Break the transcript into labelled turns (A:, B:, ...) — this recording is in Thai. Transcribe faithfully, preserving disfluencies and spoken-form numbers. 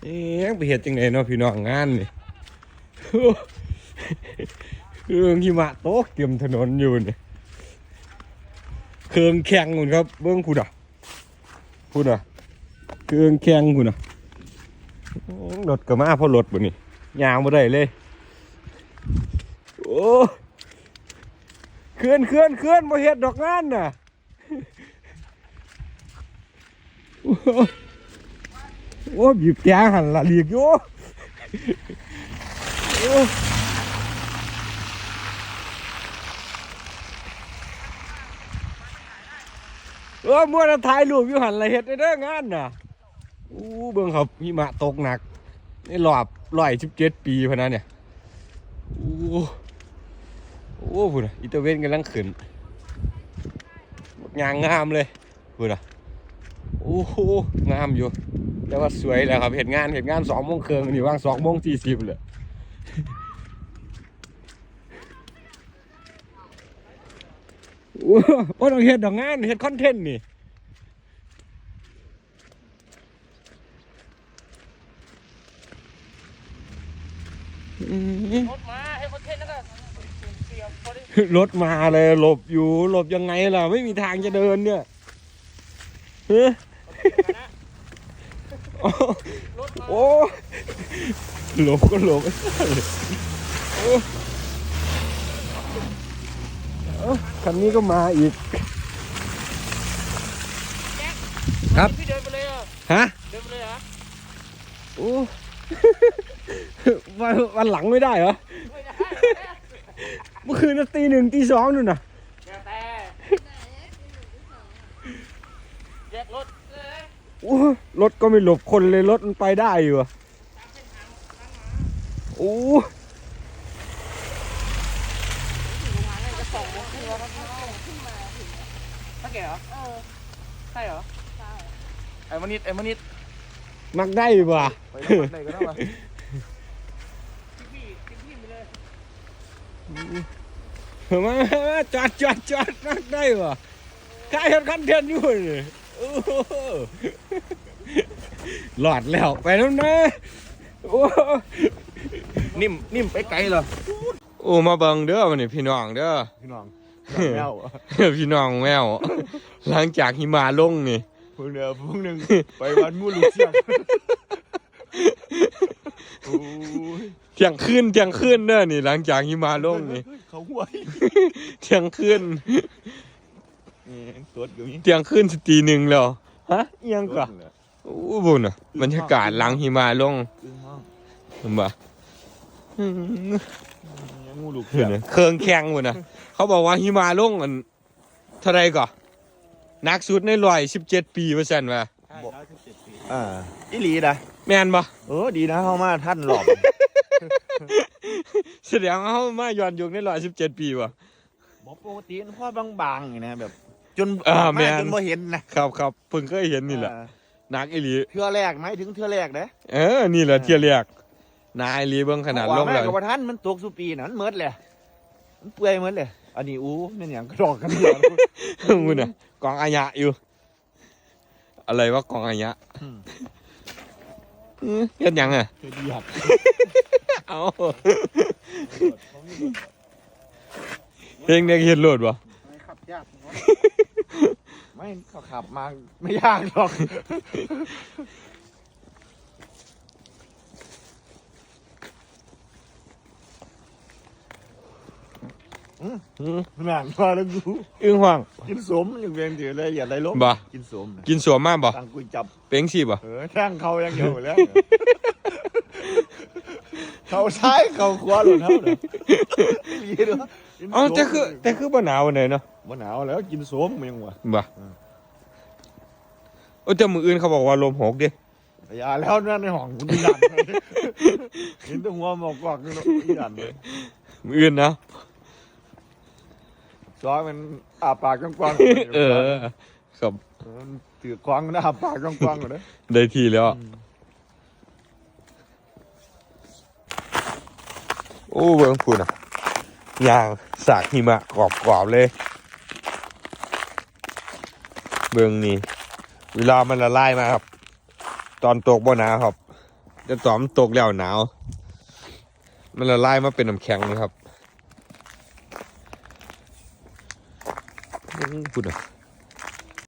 A: เอ๊ะไปเห็ดจังไงเนาะพี่น้องงานนี่เครื่องหิมะตกเต็มถนนอยู่นี่เครื่องแข่งคุณครับเบิ้งคุณอ่ะคุณอ่ะเครื่องแข่งคุณอ่ะรถก็มาเพราะรถบ่นี่ยางมาได้เลยโอ้เคลื่อนเคลื่อนเคลื่อนมาเห็ดดอกงานน่ะโอ้บีบแกหันละเรียกอยู่เออมัวจะถ่ายรูปอยู่หันละเห็ดได้เด้องานน่ะอู้เบิ่งครับหิมะตกหนักนี่รอบร้อยสิบเจ็ดปีพะนะเนี่ยอู้โอ้พูดนะอิตาเวนกำลังขึ้นงามงามเลยพูดนะโอ้โหงามอยู่แต่ว่าสวยแล้วครับเห็นงานเห็นงานสองโมงครึ่งนี่ว่างสองโมงสี่สิบเลยโอ้โหต้องเห็นดอกงานเห็นคอนเทนต์นี่รถมาให้คอนเทนต์แล้วก็รถมาเลยหลบอยู่หลบยังไงล่ะไม่มีทางจะเดินเนี่ยเฮ้ยโอ้หลบก็หลบคันนี้ก็มาอีกครับพี่เดินไปเลยอ่ะฮะเดินไปเลยเหรอโอ้วันวันหลังไม่ได้เหรอไม่ได้เมื่อคืนตีหนึ่งตีสองนู่นน่ะแต่แยกรถโอ้รถก็ไม่หลบคนเลยรถมันไปได้อยู่อ่ะโอ้ถ้าแกเหรอเออใช่เหรอใช่ไอ้มนิดไอ้มนิดมักได้ป่ะไปมักได้ก็ได้ป่ะมาจอดจอดจอดนักได้วะใครเห็นคอนเทนต์อยู่เลยหลอดแล้วไปแล้วนะนิ่มนิ่มไปไกลเหรอโอ้มาเบิ่งเด้อมันนี่พี่น้องเด้อพี่น้องแมวพี่น้องแมวหลังจากหิมะลงนี่พวกเดียวพวกหนึ่งไปวันมูลูกเชียงเที่ยงคืนเที่ยงคืนเด้อนี่หลังจากหิมะลงนี่เขาห่วยเที่ยงคืนเที่ยงคืนสตีหนึ่งแล้วฮะเอียงกะโอ้บุญอ่ะบรรยากาศหลังหิมะลงเห็นปะงูลูกเเครื่องแข่งบุญอ่ะเขาบอกว่าหิมะลงมันเท่าไรก่อนักสุดในร้อยสิบเจ็ดปีเปอร์เซ็นต์ว่ะ
B: อ่าอีหลีนะ
A: แมนปะ
B: เออดีนะเข้ามาท่านหลอก
A: แสดงเขามาย้อนยุคในร้อยสิบเจ็ดปีวะ
B: บอกปกติพ่อบางๆอย่างนะแบบจน
A: มา
B: จนบ่เห็น
A: นะครับครับเพิ่งเคยเห็นนี่แหละนักอีหลี
B: เทื่อแรกไหมถึงเทื่อแรกนะ
A: เออนี่แหละเทื่อแรกนายอีหลีเบิ่งขนาดลงเลย
B: กับท่านมันตกสุปีนั่นเมิดเลยมันเปื่อยเมิดเลยอันนี้อู้นี่อย่างกระดอกกันเดียว
A: มึงน่ะกองอายะอยู่อะไรวะกองอายะเฮ็ดยังอ่ะเอาเพลงเด็กเฮ็ดโหลดวะ
B: ไม่ขับยากไม่เขาขับมาไม่ยากหรอกแม่งมาแล้วกู
A: อึ้งห่วง
B: กินสมอย่างเวียนถือเลยอย่าได้ล้ม
A: บ่
B: กินสม
A: กินสวมมากบ่
B: ตั้งกุยจับ
A: เป้งสิบ่
B: เออแท่งเขายังเยอะแล้วเขาใช้เขาขวาหลุดเท่าเด้อ
A: อ๋อแต่คือแต่คือบ่หนาววันไหนเนาะ
B: บ่หนาวแล้วกินสมมันยังวะ
A: บ่โอ้แต่มื้ออื่นเขาบอกว่าลมหกดิ
B: อย่าแล้วนั่นในห้องคุณยันเห็นแต่หัวหมอกกอกนี่เนาะยันเลย
A: มื้ออื่นนะ
B: ซอยมันอาปากกว้าง
A: ๆเออครับ
B: ถือควางมันอาปากกว้างๆเลย
A: ได้ทีแล้วโอ้เบิ่งพูดอ่ะยางสากหิมะกรอบๆเลยเบิ่งนี่เวลามันละลายมาครับตอนตกบ่หนาครับแต่ตอนมันตกแล้วหนาวมันละลายมาเป็นน้ำแข็งนะครับพูดอ่ะ